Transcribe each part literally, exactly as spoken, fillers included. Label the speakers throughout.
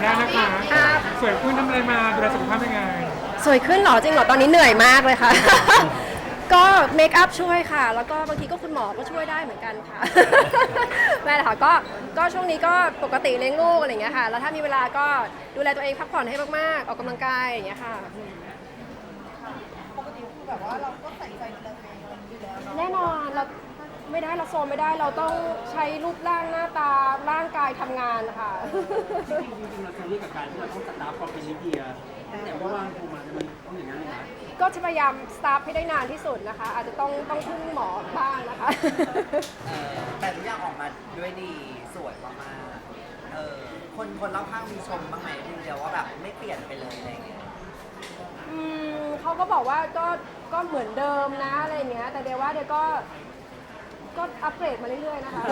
Speaker 1: ได้นะคะสวยขึ้นทำอะไรมาดูแลสุขภาพยังไง
Speaker 2: สวยขึ้นเหรอจริงเหรอตอนนี้เหนื่อยมากเลยค่ะ ก็เมคอัพช่วยค่ะ แล้วก็บางทีก็คุณหมอก็ช่วยได้เหมือนกันค่ะ แม่ค่ะก็ก็ช่วงนี้ก็ปกติเลี้ยงลูกอะไรอย่างเงี้ยค่ะแล้วถ้ามีเวลาก็ดูแลตัวเองพักผ่อนให้มากๆออกกำลังกายอย่างเงี้ยค่ะ
Speaker 3: ปกติคือแบบว่าเราก็ใส่ใจดูแลตัวเองอยู่แล้วเนาะ
Speaker 2: แน่นอนเราไม่ได้เราโซมไม่ได้เราต้องใช้รูปร่างหน้าตาร่างกายทำงานค่ะ
Speaker 4: จริงๆจริงๆเราเคยเรียกกับการที่เราต้องสตาร์ฟความเป็นลิเดียตั้งแต่ว่าว่างโทรมามันต้องอย่างนั้นเลยนะ
Speaker 2: ก็จะพยายามสตาร์ฟให้ได้นานที่สุดนะคะ อาจจะต้องต้องพึ่งหมอบ้างนะคะ
Speaker 5: เออแต่ทุกอย่างออกมาด้วยดีสวยมากๆเออคนคนรอบข้างมีชมบ้างไหมพี่เดียวว่าแบบไม่เปลี่ยนไปเลยอะไรเงี้ย
Speaker 2: อืมเขาก็บอกว่าก็ก็เหมือนเดิมนะอะไรอย่างเงี้ยแต่เดี๋ยวว่าเดี๋ยวก็ก็อัปเกรดมาเรื่อยๆนะคะ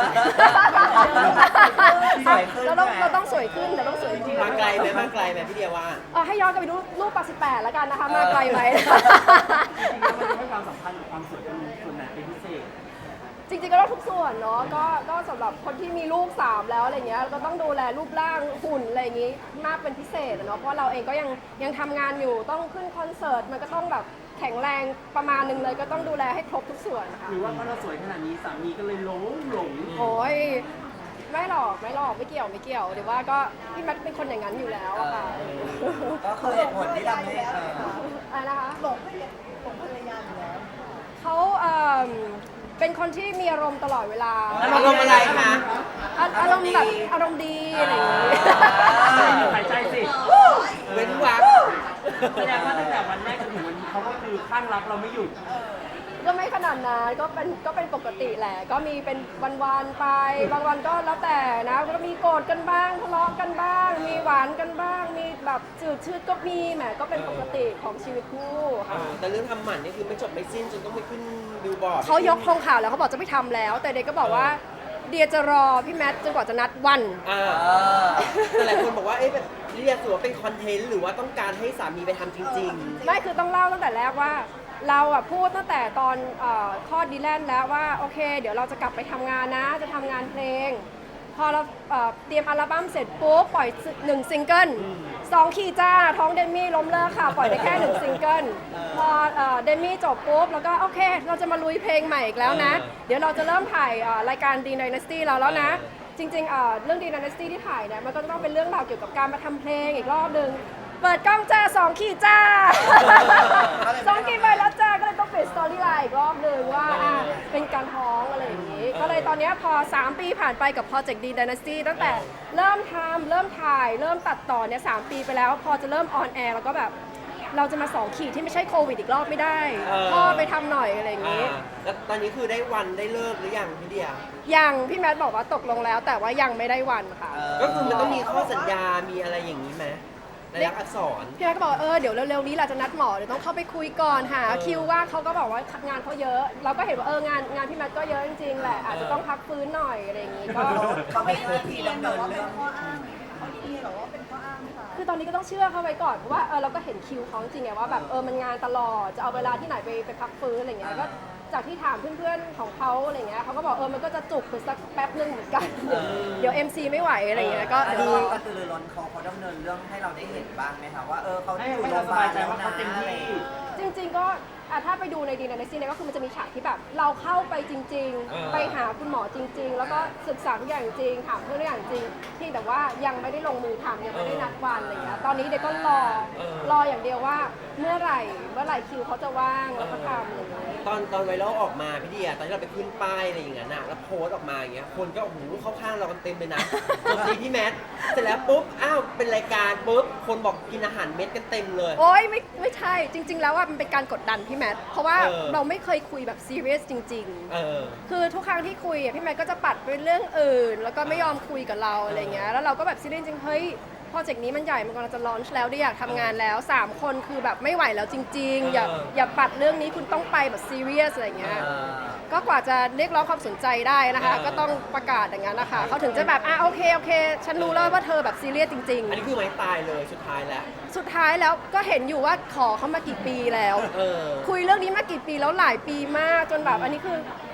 Speaker 5: สวยขึ้น
Speaker 2: เราต้อง
Speaker 5: ใช่ไหม
Speaker 2: เราต้องสวยขึ้นเราต้องสวยจริง
Speaker 6: มาไกลไหมมาไกลไหมพี่เดียว่า
Speaker 2: เออให้ย้อนกลับไปดูรูปปักสิบแปดแล้วกันนะคะมาไกลไหม
Speaker 4: จริงๆแล้วมันจะให้ความสำคัญกับความสวยเป็นส่วนไหนเป็นพิเศษ
Speaker 2: จริงๆก็ต้องทุกส่วนเนาะก็ก็สำหรับคนที่มีลูกสามแล้วอะไรเงี้ยก็ต้องดูแลรูปร่างหุ่นอะไรอย่างงี้มากเป็นพิเศษอะเนาะเพราะเราเองก็ยังยังทำงานอยู่ต้องขึ้นคอนเสิร์ตมันก็ต้องแบบแข็งแรงประมาณหนึงเลยก็ต้องดูแลให้ครบทุกส่วนค่ะ
Speaker 4: หรือว่าเพราะเราสวยขนาดนี้สามีก็เลยหลงหลง
Speaker 2: โอ้ยไม่หรอกไม่หรอกไม่เกี่ยวไม่เกี่ยวเดี๋ยวว่าก็พี่แมทเป็นคนอย่างนั้นอยู่แล้วอะค่ะ
Speaker 5: ก็คือเหตุผลที่ทำให้เออ
Speaker 2: อะไรนะคะ
Speaker 3: หลงภรรยาหลงภรรยาอยู่แล้ว
Speaker 2: เขาเอ่อเป็นคนที่มีอารมณ์ตลอดเวลา
Speaker 6: อารมณ์อะไรคะ
Speaker 2: อาอารมณ์แบบอารมณ์ดีอะไรอย่างงี้
Speaker 4: หายใจสิ
Speaker 6: เว้นวัก
Speaker 4: แสดงว่าตั้งแต่วันแรกจนถึงวันนี้เขาก็คือข้างรักเราไม่หยุด
Speaker 2: ก็ไม่ขนาดนั้นก็เป็นก็เป็นปกติแหละ ก็มีเป็นวันๆไป บางวันก็แล้วแต่นะก็มีโกรธกันบ้างทะเลาะกันบ้าง มีหวานกันบ้าง มีแบบจืดชืดก็มีแหมก็เป็นปกติของชีวิตคู่ค่ะ
Speaker 6: แต่เรื่องทำหมันนี่คือไม่จบไม่สิ้นจนต้องไปขึ้นบิลบอร์ด
Speaker 2: เขายกธงข่าวแล้วเขาบอกจะไม่ทำแล้ว แต่เด็กก็บอกว่าเดียจะรอพี่แมทจนกว่าจะนัดวัน
Speaker 6: อ่าแต่หลายคนบอกว่าเอ๊ะแบบเรียกถือว่าเป็นคอนเทนต์หรือว่าต้องการให้สามีไปทำจริง
Speaker 2: ไม่คือต้องเล่าตั้งแต่แรกว่า เราอะพูดตั้งแต่ตอนเออคลอดดีแลนด์แล้วว่าโอเค เดี๋ยวเราจะกลับไปทำงานนะ จะทำงานเพลง พอเราเอ่อเตรียมอัลบั้มเสร็จปุ๊บปล่อยหนึ่งซิงเกิลสองขีดจ้าท้องเดมี่ล้มเลิกค่ะ ปล่อยไปแค่หนึ่งซิงเกิลพอเอ่อเดมี่จบปุ๊บแล้วก็โอเค เราจะมาลุยเพลงใหม่อีกแล้วนะ เดี๋ยวเราจะเริ่มถ่ายเอ่อรายการดีน Dynasty เราแล้วนะ จริงๆเอ่อเรื่องดีน Dynasty ที่ถ่ายเนี่ยมันก็จะต้องเป็นเรื่องราวเกี่ยวกับการมาทำเพลงอีกรอบหนึ่งเปิดกล้องจ้าสองขีดจ้า สองขีดไปแล้วจ้าก็เลยต้องเปลี่ยนสตอรี่ไลน์อีกรอบหนึ่งว่าอ่ะเป็นการท้องอะไรอย่างนี้ ก็เลยตอนเนี้ยพอสามปีผ่านไปกับโปรเจกต์ดี Dynasty ตั้งแต่เริ่มทำเริ่มถ่าย เริ่มตัดต่อเนี่ยสามปีไปแล้ว พอจะเริ่มออนแอร์แล้วก็แบบเราจะมาสองขีดที่ไม่ใช่โควิดอีกรอบไม่ได้พ่อไปทำหน่อยอะไรอย่าง
Speaker 6: ๆอ่า
Speaker 2: นี้
Speaker 6: แล้วตอนนี้คือได้วันได้เลิกหรือยังพี่เดีย
Speaker 2: ยังพี่แมทบอกว่าตกลงแล้ว แต่ว่ายังไม่ได้วันค่ะ
Speaker 6: ก็คือมันต้องมีข้อสัญญา มีอะไรอย่างนี้ไหมในลักษณ์อักษร
Speaker 2: พี่แมทก็บอกว่าเออเดี๋ยวเร็วๆนี้เราจะนัดหมอเดี๋ยวต้องเข้าไปคุยก่อนหาคิวว่างเขาก็บอกว่างานเขาเยอะ เราก็เห็นว่าเอองานงานพี่แมทก็เยอะจริงๆแหละอาจจะต้องพักฟื้นหน่อยอะไรอย่างนี้ก็
Speaker 5: เขาไม่เคยที
Speaker 3: เรียน
Speaker 5: ดำ
Speaker 3: แบ
Speaker 5: เนิ
Speaker 3: บ
Speaker 5: น
Speaker 3: ว่าเป็
Speaker 5: เรื่
Speaker 3: น
Speaker 5: อง
Speaker 3: ข้ออ้างเขาดีเหรอว่าเป็นข้ออ้างไหมคะ
Speaker 2: คือตอนนี้ก็ต้องเชื่อเขาไว้ก่อนเพราะว่าเออเราก็เห็นคิวเขาจริงไงว่าแบบเออมันงานตลอดจะเอาเวลาที่ไหนไปไปพักฟื้นอะไรเงี้ยก็จากที่ถามเพื่อนๆของเขาอะไรเงี้ยเขาก็บอกเออมันก็จะจุกไปสักแป๊บนึงเหมือนกัน เดี๋ยว เอ็ม ซี ไม่ไหวอะไรเงี้ยก็
Speaker 5: อัน
Speaker 2: เดี๋ยว
Speaker 5: นี้
Speaker 2: รอ
Speaker 5: ก็คือร้อนเขาเขาดำเนินเรื่องให้เราได้เห็นบ้างไหมคะว่าเออเขา
Speaker 4: ให้
Speaker 5: อยู่
Speaker 4: ให้
Speaker 5: โร
Speaker 4: เรา
Speaker 5: งพ
Speaker 4: ส
Speaker 5: ยาบา
Speaker 4: บา
Speaker 5: ล
Speaker 4: ยใจ
Speaker 5: แล้ว
Speaker 4: ว่า
Speaker 5: นะ
Speaker 4: เขาเต็ม
Speaker 5: อะไร
Speaker 4: ที่
Speaker 5: อย่างเงี้ย
Speaker 2: จริงๆก็อ่ะถ้าไปดูในดีน Dynasty เนี่ยก็คือมันจะมีฉากที่แบบเราเข้าไปจริง
Speaker 6: เออ
Speaker 2: ๆ ไปหาคุณหมอจริง ๆ แล้วก็ศึกษาทุกอย่างจริงถามเพื่อนทุกอย่างจริงที่แต่ว่ายังไม่ได้ลงมือทำยังไม่ได้นัดวันอะไรเงี้ยตอนนี้เด็กก็รอรออย่างเดียวว่าเมื่อไหร่เมื่อไหร่คิวเขาจะว่างแล้วก็ทำอะไรอย่างเงี้ย
Speaker 6: ตอนตอนไวรัลออกมาพี่เดียตอนที่เราไปขึ้นป้ายอะไรอย่างเงี้ยนะแล้วโพสต์ออกมาอย่างเงี้ยคนก็โอ้โหเข้าข้างเรากันเต็มเลยนะจบดีพี่แมทเสร็จแล้วปุ๊บอ้าวเป็นรายการปุ๊บคนบอกกินอาหารเม็ดกันเต็มเลย
Speaker 2: โอ๊ยไม่ไม่ใช่จริง ๆ แล้วว่ามันเป็นการกดดันพี่แมทเพราะว่า
Speaker 6: เออ
Speaker 2: เราไม่เคยคุยแบบซีเรียสจริง
Speaker 6: เออ
Speaker 2: ๆ คือทุกครั้งที่คุยอ่ะพี่แมทก็จะปัดไปเรื่องอื่น แล้วก็ไม่ยอมคุยกับเราอะไรเงี้ยแล้วเราก็แบบซีเรียสจริงๆเฮ้ยโปรเจกต์นี้มันใหญ่มันกำลังจะลอนช์แล้วได้อยากทำงานแล้วสามคนคือแบบไม่ไหวแล้วจริง ๆ อย่า
Speaker 6: เออ
Speaker 2: อย่าปัดเรื่องนี้คุณต้องไปแบบซีเรียสอะไรเงี้ย
Speaker 5: เออ
Speaker 2: ก็กว่าจะเรียกร้องความสนใจได้นะคะ
Speaker 6: เออ
Speaker 2: ก็ต้องประกาศอย่างนั้นนะคะเขาถึงจะแบบอ่ะโอเคโอเค ฉันรู้แล้วว่าเธอแบบซีเรียสจริง
Speaker 6: อันนี้คือไม้ตายเลยสุดท้ายแล้ว
Speaker 2: ๆ สุดท้ายแล้วก็เห็นอยู่ว่าขอเขามากี่ปีแล้ว
Speaker 6: เออ
Speaker 2: คุยเรื่องนี้มากี่ปีแล้วหลายปีมากจนแบบอันนี้คือ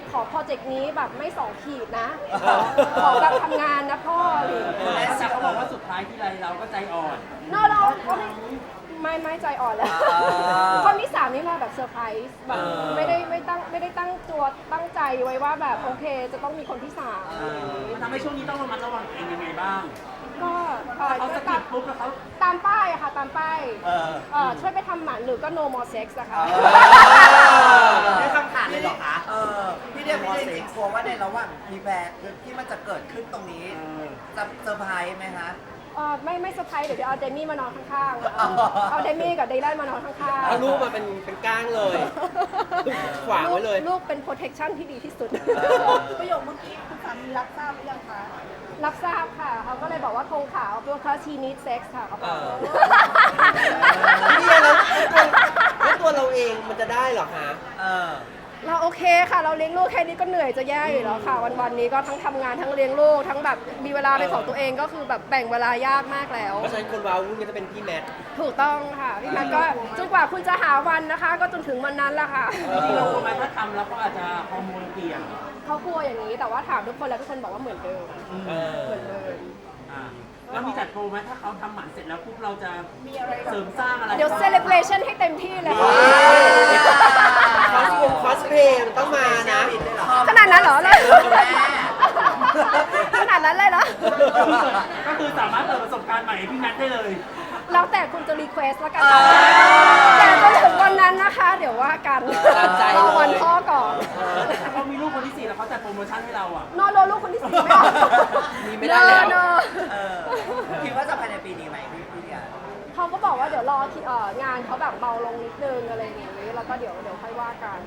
Speaker 2: ขอโปรเจกต์นี้แบบไม่สองขีดนะ ขอขอแบบทำงานนะพ่ออะไรอย่างเลย
Speaker 4: แต่เขาบอกว่าสุดท้ายที่ไรเราก็ใจอ่อน
Speaker 2: นอเราเขาไม่ไม่ไม่ใจอ่อนแล้ว คนที่สามนี่มาแบบเซอร์ไพรส์แบบไม่ได้ไม่ตั้งไม่ได้ตั้งตัวตั้งใจไว้ว่าแบบโอเคจะต้องมีคนที่สาม
Speaker 4: มันทำให้ช่วงนี้ต้องระมัดระวังตัวเองยังไงบ้าง
Speaker 2: ก็เอ่อ
Speaker 4: เขาสะกิดปุ๊บแล้วเขา
Speaker 2: ตามป้ายอะค่ะตามป้าย
Speaker 5: เออ
Speaker 2: เอ่อช่วยไปทำหมันหรือก็ no more sex อะค่ะ
Speaker 5: นี่คำถามเลยเหรอคะเออพี่เดียพี่เดียจริงๆกลัวว่าในระหว่างพีแบร์ที่มันจะเกิดขึ้นตรงนี้ จะเซอร์ไพรส์ไหมคะ
Speaker 2: เอ่อไม่ไม่เซอร์ไพรส์เดี๋ยวเดี๋ยวเอาเดมี่มานอนข้างๆเอาเอาเดมี่กับเดย์ไลน์มานอนข้างๆ
Speaker 6: เอาลูกมาเป็นเป็นก้างเลย ขวางไว้เลย
Speaker 2: ลูกเป็น protection ที่ดีที่สุด
Speaker 3: ประโยคเมื่อกี้คุณสามีรับทราบหรือยังคะ
Speaker 2: รับทราบค่ะ เขาก็เลยบอกว่าธงขาวเพราะเขา she needs sex ค่ะเขาบอก
Speaker 6: เออ พี่เดียแล้วแล้วตัวเราเองมันจะได้เหรอคะ
Speaker 5: เออ
Speaker 2: เราโอเคค่ะ เราเลี้ยงลูกแค่นี้ก็เหนื่อยจะแย่อยู่แล้วค่ะ วันๆนี้ก็ทั้งทำงานทั้งเลี้ยงลูกทั้งแบบมีเวลาเป็นของตัวเองก็คือแบบแบ่งเวลายากมากแล้ว
Speaker 6: เพราะฉะนั้นคนว้าวุ่นก็จะเป็นพี่แมท
Speaker 2: ถูกต้องค่ะพี่แมทก็จนกว่าคุณจะหาวันนะคะ ก็จนถึงวันนั้นแหละค่ะ
Speaker 6: เออ
Speaker 4: ที่เรากลัวไหมถ้าทำแล้วก็อาจจะฮอร์โมนเปลี่ยน
Speaker 2: เขากลัวอย่างนี้แต่ว่าถามทุกคนแล้วทุกคนบอกว่าเหมือนเดิม
Speaker 6: เออ
Speaker 2: เหมือนเดิม
Speaker 4: อ่าแล้วมีจัดโปรไหมถ้าเขาทำหมันเสร็จแล้วปุ๊บเราจะ
Speaker 3: มีอะไรแบบ
Speaker 4: เสริมสร้างอะไร
Speaker 2: เดี๋ยว celebration ให้เต็มที่เลย
Speaker 5: ว้าว
Speaker 6: คอสวงคอสเพลย์มันต้องมานะ
Speaker 2: ขนาดนั้นเหรอเลย
Speaker 5: แม่
Speaker 2: ขนาดนั้นเลยเหรอ
Speaker 4: ก็คือสามารถเปิดประสบการณ์ใหม่ให้พี่แมทได้เลย
Speaker 2: แล้วแต่คุณจะรีเควสแล้วกัน
Speaker 5: อ่า
Speaker 2: แต่จนถึงวันนั้นนะคะ เดี๋ยวว่ากัน
Speaker 6: ตามใจ
Speaker 2: รอวัน
Speaker 6: เลย
Speaker 2: พ่อก่อน
Speaker 4: ถ้าเขามีลูกคนที่สี่แล้วเขาจัดโปรโมชั่นให้เราอ่ะ
Speaker 2: นอนรอลูกคนที่สี่ไม่เอา
Speaker 6: มีไม่ได้แล้ว
Speaker 2: เนอะ
Speaker 5: เออคิดว่าจะภายในปีนี้ไหมพี่พี่เดีย
Speaker 2: เขาก็บอกว่าเดี๋ยวรอที่เอ่องานเขาแบบเบาลงนิดนึงอะไรอย่างนี้แล้วก็เดี๋ยวเดี๋ยวค่อยว่ากัน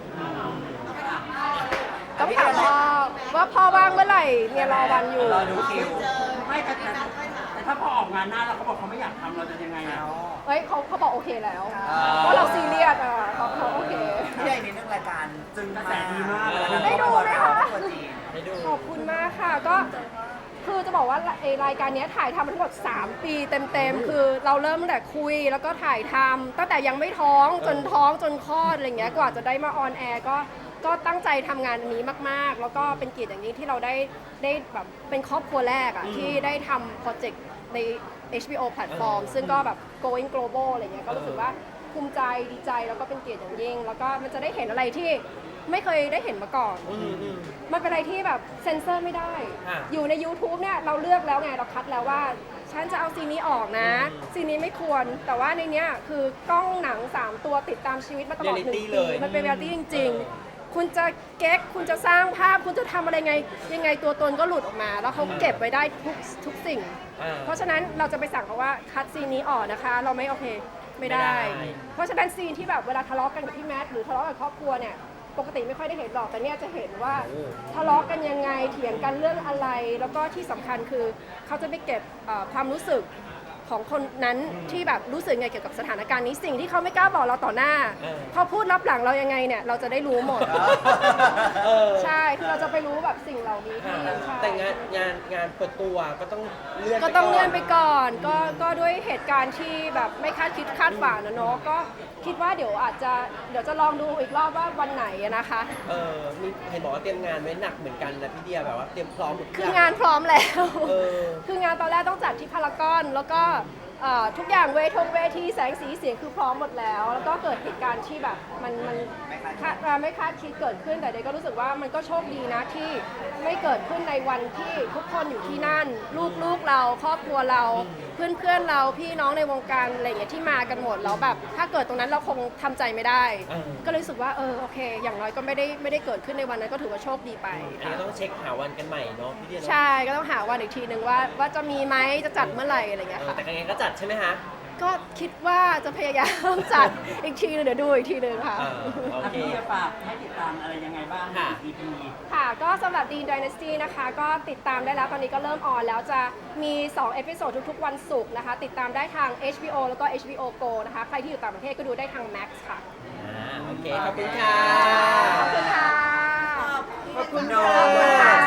Speaker 2: ต้องถามพ่อว่าพ่อว่างเมื่อไหร่เนี่ยรอวันอยู่
Speaker 5: รอดูคิว
Speaker 4: ไม่แต่แต่แต่ถ้าพอออกงานหน้าแล้วเขาบอกเขาไม่อยากทำเราจะยังไงอ่ะ
Speaker 5: เอา
Speaker 2: เฮ้ยเขาเขาบอกโอเคแล้ว
Speaker 5: อ่า
Speaker 2: ว่าเราซีเรียสอ่ะเขาเขาโอเค
Speaker 5: พี่ใหญ่นิดนึงรายการจึง
Speaker 4: กระแสดีมาก
Speaker 2: ได้ดูไหมคะ
Speaker 5: ตัวจริง
Speaker 6: ให้ดู
Speaker 2: ขอบคุณมากค่ะก็คือจะบอกว่าไอ้รายการเนี้ยถ่ายทำมาทั้งหมดสามปีเต็มๆคือเราเริ่มตั้งแต่คุยแล้วก็ถ่ายทำตั้งแต่ยังไม่ท้องจนท้องจนคลอดอะไรเงี้ยกว่าจะได้มาออนแอร์ก็ก็ตั้งใจทำงานอันนี้มากๆ แล้วก็เป็นเกียรติอย่างยิ่งที่เราได้ได้แบบเป็นครอบครัวแรกอะที่ได้ทำโปรเจกต์ใน เอช บี โอ แพลตฟอร์มซึ่งก็แบบ going global อะไรเงี้ยก็รู้สึกว่าภูมิใจดีใจแล้วก็เป็นเกียรติอย่างยิ่ง แล้วก็มันจะได้เห็นอะไรที่ไม่เคยได้เห็นมาก่อน
Speaker 6: อืมอืม
Speaker 2: มันเป็นอะไรที่แบบเซ็นเซอร์ไม่ได้
Speaker 6: อ่ะ
Speaker 2: อยู่ใน YouTube เนี่ยเราเลือกแล้วไงเราคัดแล้วว่า ฉันจะเอาซีนนี้ออกนะ
Speaker 6: อืม
Speaker 2: ซีนนี้ไม่ควร แต่ว่าในเนี้ยคือกล้องหนัง สาม ตัวติดตามชีวิตมาตลอดหนึ่ง
Speaker 6: Reality
Speaker 2: ปี
Speaker 6: เลย
Speaker 2: มันเป็นเรียลตี้จริง
Speaker 6: เออ
Speaker 2: ๆ คุณจะเก๊กคุณจะสร้างภาพ คุณจะทำอะไรไง ยังไงตัวตนก็หลุดออกมา แล้วเขาเก็บไว้ได้ทุกทุกสิ่ง
Speaker 6: อ่า
Speaker 2: เพราะฉะนั้นเราจะไปสั่งเขาว่าคัดซีนนี้ออกนะคะ เราไม่โอเคไม่ได้
Speaker 6: ไม่ได้
Speaker 2: เพราะฉะนั้นซีนที่แบบเวลาทะเลาะกันกับพี่แมทหรือทะเลาะกับครอบครัวเนี่ยปกติไม่ค่อยได้เห็นหรอกแต่เนี่ยจะเห็นว่า
Speaker 6: โอ้
Speaker 2: ทะเลาะกันยังไงเถียงกันเรื่องอะไร แล้วก็ที่สำคัญคือเขาจะไปเก็บเอ่อความรู้สึกของคนนั้นที่แบบรู้สึกไงเกี่ยวกับสถานการณ์นี้สิ่งที่เขาไม่กล้าบอกเราต่อหน้า
Speaker 6: เออ
Speaker 2: เขาพูดรับหลังเรายังไงเนี่ยเราจะได้รู้หมด
Speaker 6: เออ
Speaker 2: ใช่คือเราจะไปรู้แบบสิ่งเหล่านี้ที่ใช่
Speaker 6: แต่งานงานงานเปิดตัวก็ต้องเลื่อน
Speaker 2: ก็ต้องเลื่อนไปก่อน ก็ก็ด้วยเหตุการณ์ที่แบบไม่คาดคิดคาดฝันนะเนาะก็คิดว่าเดี๋ยวอาจจะเดี๋ยวจะลองดูอีกรอบว่าวันไหนอะนะคะ
Speaker 6: เออมีเห็นบอกว่าเตรียมงานไว้หนักเหมือนกันนะพี่เดียแบบว่าเตรียมพร้อมหมดทุก
Speaker 2: คือ
Speaker 6: อย่าง
Speaker 2: งานพร้อมแล้ว
Speaker 6: เออ
Speaker 2: คืองานตอนแรกต้องจัดที่พารากอนแล้วก็เอ่อทุกอย่างเวทงเวทีแสงสีเสียงคือพร้อมหมดแล้ว แล้วก็เกิดเหตุการณ์ที่แบบมันมันคาดไม่คาดคิดเกิดขึ้นแต่เด็กก็รู้สึกว่ามันก็โชคดีนะที่ไม่เกิดขึ้นในวันที่ทุกคนอยู่ที่นั่น ลูกลูกเราครอบครัวเรา เพื่อนเพื่อนเราพี่น้องในวงการอะไรอย่างเงี้ยที่มากันหมดแล้วแบบถ้าเกิดตรงนั้นเราคงทำใจไม่ได้
Speaker 6: เออ
Speaker 2: ก็เลยรู้สึกว่าเออโอเค อย่างน้อยก็ไม่ได้ไม่ได้เกิดขึ้นในวันนั้นก็ถือว่าโชคดีไป
Speaker 6: อันนี้ก็ต้องเช็คหาวันกันใหม่เนาะพี่เดียเนาะ
Speaker 2: ใช่ก็ต้องหาวันอีกทีหนึ่งว่าว่าจะมีไหมจะจัดเมื่อไหร่อะไรอย่างเงี้ย
Speaker 6: เออ
Speaker 2: ค่ะ
Speaker 6: แต่ยังไงก็จัดใช่ไหมฮะ
Speaker 2: ก็คิดว่าจะพยายามจัดอีกทีหนึงเดี๋ยวดูอีกทีหนึงค่ะ
Speaker 6: อ่าโอ
Speaker 4: ถ้า
Speaker 6: เค
Speaker 4: พี่จะฝากให้ติดตามอะไรยังไงบ้าง
Speaker 6: ค่ะ
Speaker 4: อี พี
Speaker 2: ค่ะก็สำหรับ Dean Dynasty นะคะ ก็ติดตามได้แล้วตอนนี้ก็เริ่มออนแล้วจะมีสองเอพิโซดทุกๆวันศุกร์นะคะ ติดตามได้ทาง เอช บี โอ แล้วก็ เอช บี โอ Go นะคะ ใครที่อยู่ต่างประเทศก็ดูได้ทาง Max ค่ะ
Speaker 6: อ่าโอเค ขอบคุณค่ะ
Speaker 2: ขอบคุณค่ะ
Speaker 5: ขอบคุณ
Speaker 2: ขอบคุณค่ะ